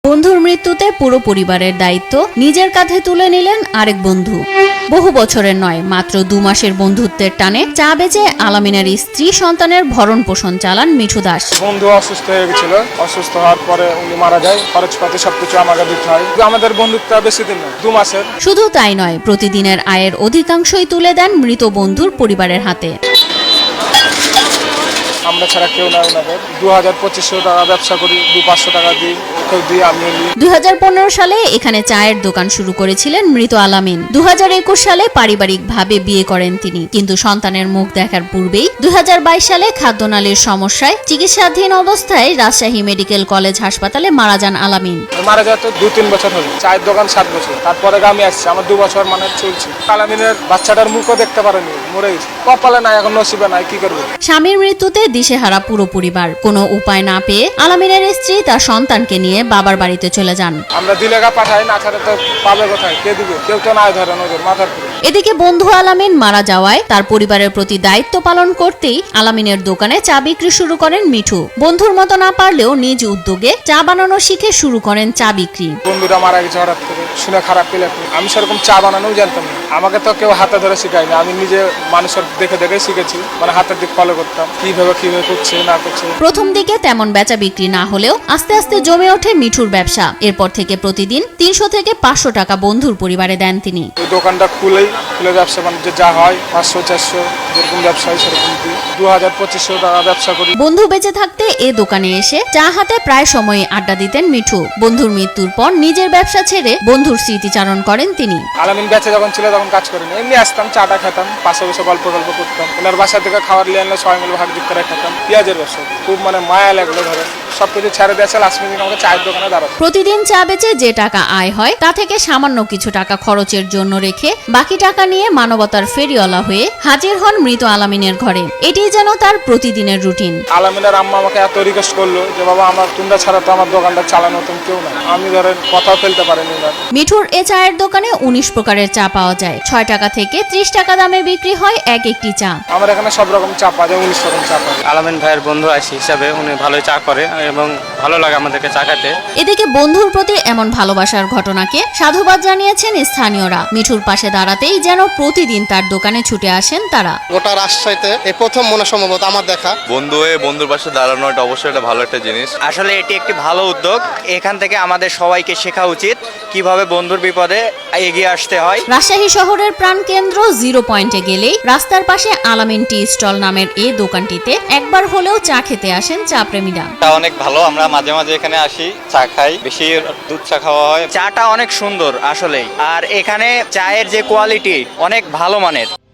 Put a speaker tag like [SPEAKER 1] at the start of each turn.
[SPEAKER 1] বন্ধুর মৃত্যুতে পুরো পরিবারের দায়িত্ব নিজের কাঁধে তুলে নিলেন আরেক বন্ধু। বহু বছরের নয়, মাত্র 2 মাসের বন্ধুত্বের টানে চা বেচে আলামিনের স্ত্রী সন্তানের ভরণ পোষণ চালান মিঠু দাস।
[SPEAKER 2] বন্ধু অসুস্থ হয়ে গেছিল, অসুস্থ হওয়ার পরে উনি মারা যায়। খরচপাতি সবকিছু আমাকে দিতে হয়। আমাদের বন্ধুত্ব বেশি দিন নয়, 2 মাসের।
[SPEAKER 1] শুধু তাই নয়, প্রতিদিনের আয়ের অধিকাংশই তুলে দেন মৃত বন্ধুর পরিবারের হাতে।
[SPEAKER 2] আমরা ছাড়া কেউ নাই ওনাদের। 2000-2500 টাকা ব্যবসা করি, 200-500 টাকা দিই, কেউ দিই, আমিও নিই।
[SPEAKER 1] 2015 সালে এখানে চায়ের দোকান শুরু করেছিলেন মৃত আলামিন। 2021 সালে পারিবারিকভাবে বিয়ে করেন তিনি, কিন্তু সন্তানের মুখ দেখার পূর্বেই 2022 সালে খাদ্যনালীর সমস্যায় চিকিৎসাধীন অবস্থায় রাজশাহী মেডিকেল কলেজ হাসপাতালে মারা যান আলামিন।
[SPEAKER 2] মারা যায় তো 2-3 বছর হলো। চায়ের দোকান 7 বছর, তারপরে আমি আসছি, আমার 2 বছর মানে চলছে। আলামিনের বাচ্চাটার মুখও দেখতে পারেনি, মরে গেছে। কপালে নাই, এখন নসিবে নাই, কি করবো।
[SPEAKER 1] স্বামীর মৃত্যুতে দিশেহারা পুরো পরিবার। কোনো উপায় না পেয়ে আলামিনের স্ত্রী তার সন্তানকে নিয়ে বাবার বাড়িতে চলে যান।
[SPEAKER 2] আমরা দিলেগা পাঠাই, না ছাড়া তো পাবে কোথায়, কে দিবে? কেউ তো নাই ধরে নজর মাথার উপরে।
[SPEAKER 1] এদিকে বন্ধু আলামিন মারা যাওয়ায় তার পরিবারের প্রতি দায়িত্ব পালন করতেই আলামিনের দোকানে চা বিক্রি শুরু করেন মিঠু। বন্ধুর মতো না পারলেও নিজ উদ্যোগে চা বানানো শিখে শুরু করেন চা বিক্রি।
[SPEAKER 2] বন্ধুরা মারা গেছে হঠাৎ করে, শুনে খারাপ পেলে। আমি সেরকম চা বানানোও জানতাম না, আমাকে তো কেউ হাতে ধরে শিখায়নি। আমি নিজে মানুষের দেখে দেখে শিখেছি, মানে হাতের দিক ফলো করতাম, কিভাবে করছে না করছে।
[SPEAKER 1] প্রথম দিকে তেমন বেচা বিক্রি না হলেও আস্তে আস্তে জমে ওঠে মিঠুর ব্যবসা। এরপর থেকে প্রতিদিন 300 থেকে 500 টাকা বন্ধুর পরিবারে দেন তিনি।
[SPEAKER 2] ওই দোকানটা খুলে ব্যবসা বাণিজ্য যা হয় 500-400 যেরকম ব্যবসা হয় সেরকম দিই। 2000-2500 টাকা ব্যবসা করি।
[SPEAKER 1] বন্ধু বেঁচে থাকতে এ দোকানে এসে চা হাতে প্রায় সময় আড্ডা দিতেন মিঠু। বন্ধুর মৃত্যুর পর নিজের ব্যবসা ছেড়ে বন্ধুর স্মৃতিচারণ করেন তিনি।
[SPEAKER 2] আলামিন বেঁচে যখন ছিল তখন কাজ করিনি, এমনি আসতাম, চাটা খেতাম, পাশে বসে গল্প করতাম। ওনার বাসা থেকে খাবার নিয়ে আনলে সবাই মিলে ভাগ যোগ করে খেতাম। পেঁয়াজের ব্যবসা খুব মানে মায়া লাগলো, ধরে সবকিছু ছেড়ে দিয়েছে। লাস্ট মিনিট আমাকে চায়ের দোকানে দাঁড়াতো।
[SPEAKER 1] প্রতিদিন চা বেচে যে টাকা আয় হয় তা থেকে সামান্য কিছু টাকা খরচের জন্য রেখে বাকি টাকা নিয়ে মানবতার ফেরিওয়ালা হয়ে হাজির হন মৃত আলামিনের ঘরে। এটাই যেন তার প্রতিদিনের রুটিন।
[SPEAKER 2] আলামিনের আম্মা আমাকে এত রিকোয়েস্ট করলো যে বাবা, আমার তোমরা ছাড়া তো আমার দোকানটা চালানো মতন কেউ না। আমি ধরেন কথাও ফেলতে পারিনি না।
[SPEAKER 1] মিঠুর এ চায়ের দোকানে 19 প্রকারের চা পাওয়া যায়। 6 টাকা থেকে 30 টাকা দামে বিক্রি হয় এক একটি চা।
[SPEAKER 2] আমার এখানে সব রকম চা পাওয়া যায়, 19 রকম চা পাওয়া যায়।
[SPEAKER 3] আলামিন ভাইয়ের বন্ধু হিসাবে উনি ভালোই চা করে এবং ভালো লাগে আমাদেরকে চা খেতে।
[SPEAKER 1] এদিকে বন্ধুর প্রতি এমন ভালোবাসার ঘটনাকে সাধুবাদ জানিয়েছেন স্থানীয়রা। মিঠুর পাশে দাঁড়াতেই যেন প্রতিদিন তার দোকানে ছুটে আসেন তারা।
[SPEAKER 4] গোটা রাজশাহীতে এই প্রথম মনে সম্ভবত আমার দেখা।
[SPEAKER 5] বন্ধুর পাশে দাঁড়ানো এটা অবশ্যই একটা ভালো একটা জিনিস।
[SPEAKER 3] আসলে এটি একটি ভালো উদ্যোগ। এখান থেকে আমাদের সবাইকে শেখা উচিত কিভাবে বন্ধুর বিপদে এগিয়ে আসতে হয়।
[SPEAKER 1] রাজশাহী শহরের প্রাণকেন্দ্র 0 পয়েন্টে গেলেই রাস্তার পাশে আলামিন টি স্টল নামের এই দোকানটিতে একবার হলেও চা খেতে আসেন চা প্রেমীরা।
[SPEAKER 5] এটা অনেক ভালো, আমরা মাঝে মাঝে এখানে আসি, চা খাই, বেশি দুধ চা খাওয়া হয়।
[SPEAKER 3] চাটা অনেক সুন্দর আসলেই, আর এখানে চায়ের যে কোয়ালিটি অনেক ভালো মানের।